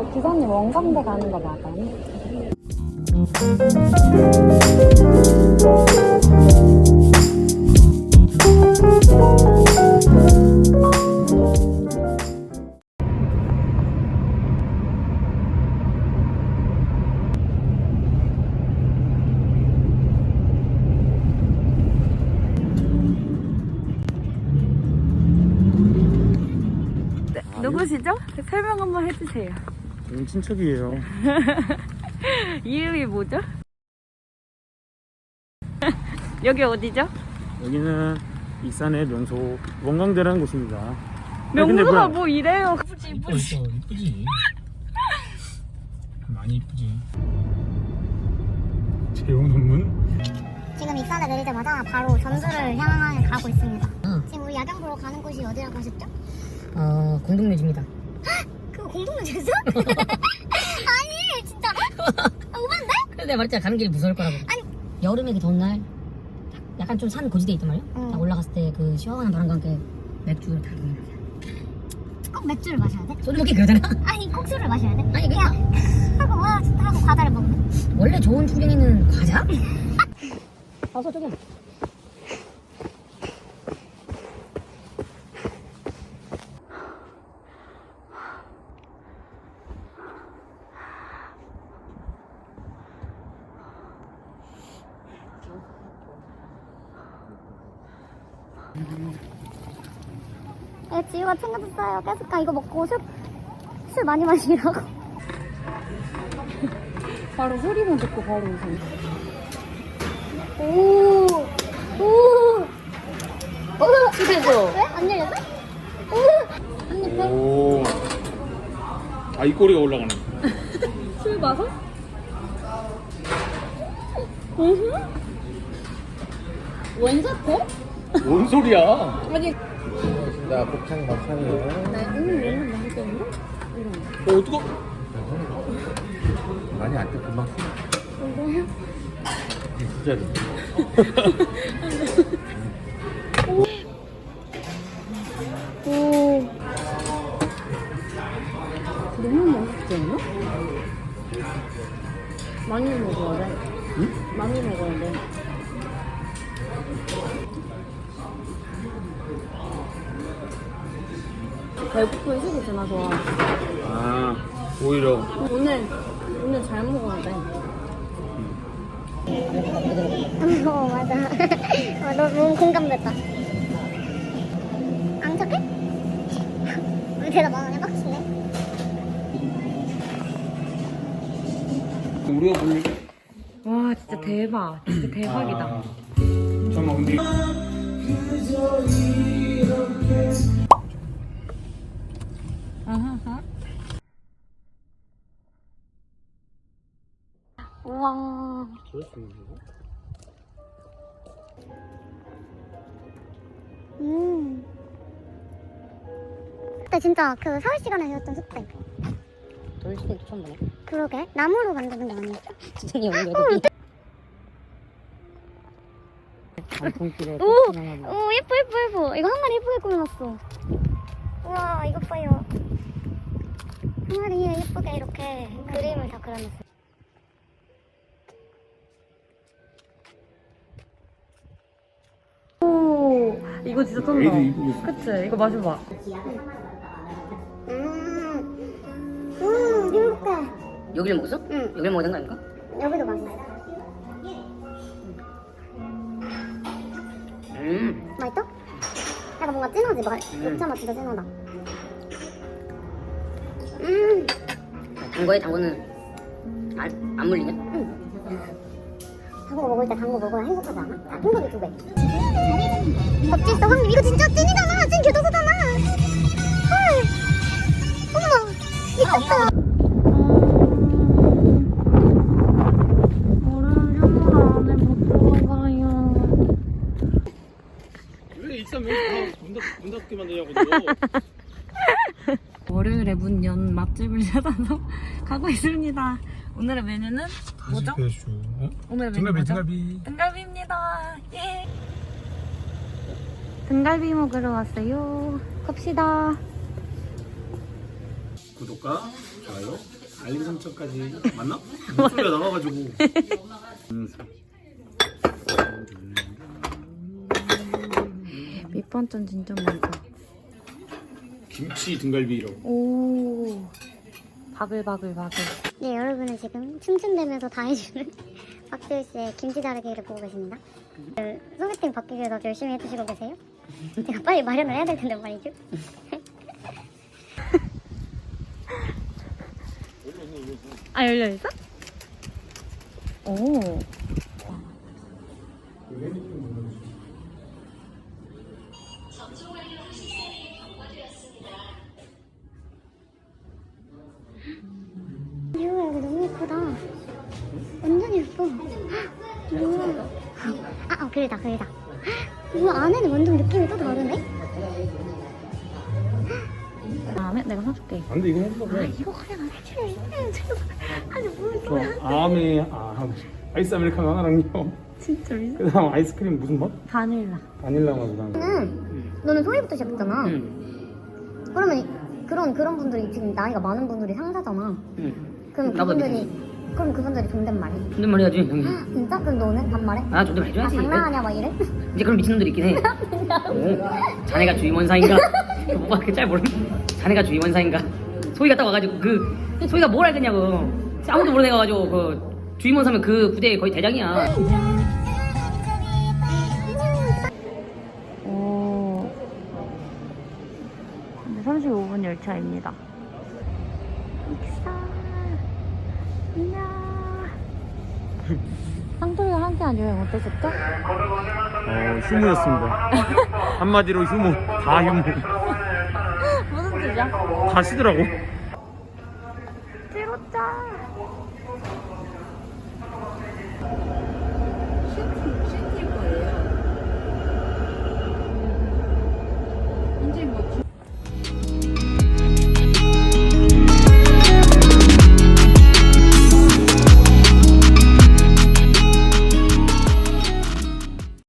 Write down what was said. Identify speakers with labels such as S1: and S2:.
S1: 기사님 원광대 가는 거 맞아요? 누구시죠? 설명 한번 해주세요.
S2: 저는 친척이에요.
S1: 이름이 뭐죠? 여기 어디죠?
S2: 여기는 익산의 명소 원광대라는 곳입니다.
S1: 명소가 뭐 이래요? 이쁘지
S2: 이쁘지. 많이 이쁘지. 재용 논문?
S3: 지금 익산에 내리자마자 바로 전주를 향해 가고 있습니다. 지금 우리 야경 보러 가는 곳이 어디라고 하셨죠?
S4: 공동묘지입니다.
S3: 그거 공동묘지였어? 아니 진짜 오반데?
S4: 그래서 내가 말했잖아, 가는 길이 무서울 거라고.
S3: 아니.
S4: 여름에 그 더운 날 약간 좀 산 고지대에 있단 말이야. 딱 올라갔을 때 그 시원한 바람과 함께 맥주를 다 먹는 거야.
S3: 꼭 맥주를 마셔야 돼?
S4: 소주 먹기 그러잖아.
S3: 아니 꼭 술을 마셔야 돼?
S4: 아니
S3: 그냥 하고 와 진짜 하고 과자를 먹는.
S4: 원래 좋은 풍경에는 과자? 어서 저기.
S3: 네, 지우가 챙겨줬어요. 뺏을까? 이거 먹고 술 많이 마시라고.
S1: 바로 소리만 듣고 바로 오세요.
S3: 오.
S4: 실패했어.
S3: 왜? 안 열렸어? 언니 배.
S2: 오. 아, 이 꼬리가 올라가네.
S1: 술 마서? 원사태?
S2: 뭔 소리야?
S1: 아니
S2: 자, 곱창 막창이에요.
S1: 나 오늘 너무 맛있겠는데?
S2: 어떡하? 많이 안 돼, 금방
S1: 이거요?
S2: 진짜로.
S1: 오. 너무 맛있지 않나? 많이 먹어야 돼.
S2: 응?
S1: 많이 먹어야 돼. 배고픈 식이 진짜 좋아.
S2: 아, 오히려.
S1: 오늘 잘 먹어야 돼.
S3: 맞아. 너무 공감됐다. 안 착해? 우리 대답 안 하네, 빡치네.
S2: 우리가 볼
S1: 와 진짜 대박. 진짜 대박이다.
S2: 아, 잠깐만, 근데.
S3: 우와.
S2: 저럴 수 있는 거?
S3: 그때 진짜 그 서울 시간에 배웠던 숙제.
S4: 돌싱도 처음 보네.
S3: 그러게. 나무로 만드는 거 아니었어?
S4: 진짜 오늘 여기.
S3: 오, 예뻐. 이거 항아리 예쁘게 꾸며놨어. 우와, 이거 봐요. 항아리에 예쁘게 이렇게 그림을 다 그려놨어.
S1: 오 이거 진짜 쩐다.
S2: 애들 이쁘게 있어.
S1: 그치? 이거 마셔봐.
S3: 행복해.
S4: 여기를 먹었어?
S3: 응.
S4: 여기를 먹는 거 아닌가?
S3: 여기도 맛있어. 맛있어? 약간 뭔가 진하지? 녹차 맛 진짜 진하다.
S4: 단 거에 당근은 안 물리냐?
S3: 단 거 먹을 때 단 거 먹어야 행복하지 않아? 아, 행복이 2배. 껍질 있어, 황님. 이거 진짜 찐이잖아. 찐 교도소잖아. 헐. 어머, 미쳤다.
S1: 얼음 안에 못 들어가요.
S2: 왜 익산 명소 문 닫게 만드냐고, 너.
S1: 월요일에 문 연 맛집을 찾아서 가고 있습니다. 오늘의 메뉴는 뭐죠? 오늘의 메뉴 뭐죠? 등갈비입니다. 예. 등갈비 먹으러 왔어요. 갑시다.
S2: 구독과 좋아요 알림 설정까지 맞나? 목소리가 나와가지고.
S1: 밑반찬 진짜 많다.
S2: 김치 등갈비라고.
S1: 오. 바글바글바글.
S3: 네, 여러분은 지금 춤춘다면서 다 해주는 박지우 씨의 김치 다르기를 보고 계십니다. 소개팅 받기 위해서 열심히 해주시고 계세요. 제가 빨리 마련을 해야 될 텐데 말이죠.
S1: 아, 열려있어? 오.
S3: 이거 여기 너무 예쁘다. 완전 예뻐. 우와. 그러다. 우와, 안에는 완전 느낌이 또 다르네?
S1: 다음에 내가 사줄게.
S2: 안 돼, 이거 해보자.
S3: 이거 그냥 해줄래? 아니, 뭘
S2: 저 아이스 아메리카노 하나랑요.
S1: 진짜 미쳤어.
S2: 그 다음 아이스크림 무슨 맛?
S1: 바닐라.
S2: 바닐라 맛이랑.
S3: 너는 소희부터 시작했잖아. 그러면 그런 분들이 지금 나이가 많은 분들이 상사잖아. 그럼 그분들이 존댓말해.
S4: 존댓말 해야지 형님.
S3: 진짜? 그럼 너는 반말해?
S4: 아 존댓말 해줘야지.
S3: 장난하냐 막 이래?
S4: 이제 그런 미친놈들이 있긴 해. 자네가 주임원사인가? 뭐가 그렇게 잘 모르는. 자네가 주임원사인가? 소희가 딱 와가지고 소희가 뭘 알겠냐고. 아무도 모르는 애가 가지고 주임원사면 그 부대의 거의 대장이야.
S1: 오. 근데 35분 열차입니다. 익사. 이야. 상토리가 함께한 여행 어떠셨죠?
S2: 휴무였습니다. 한마디로 휴무. 다 휴무.
S1: 무슨 뜻이야?
S2: 다 쉬더라고.
S1: 찍었자.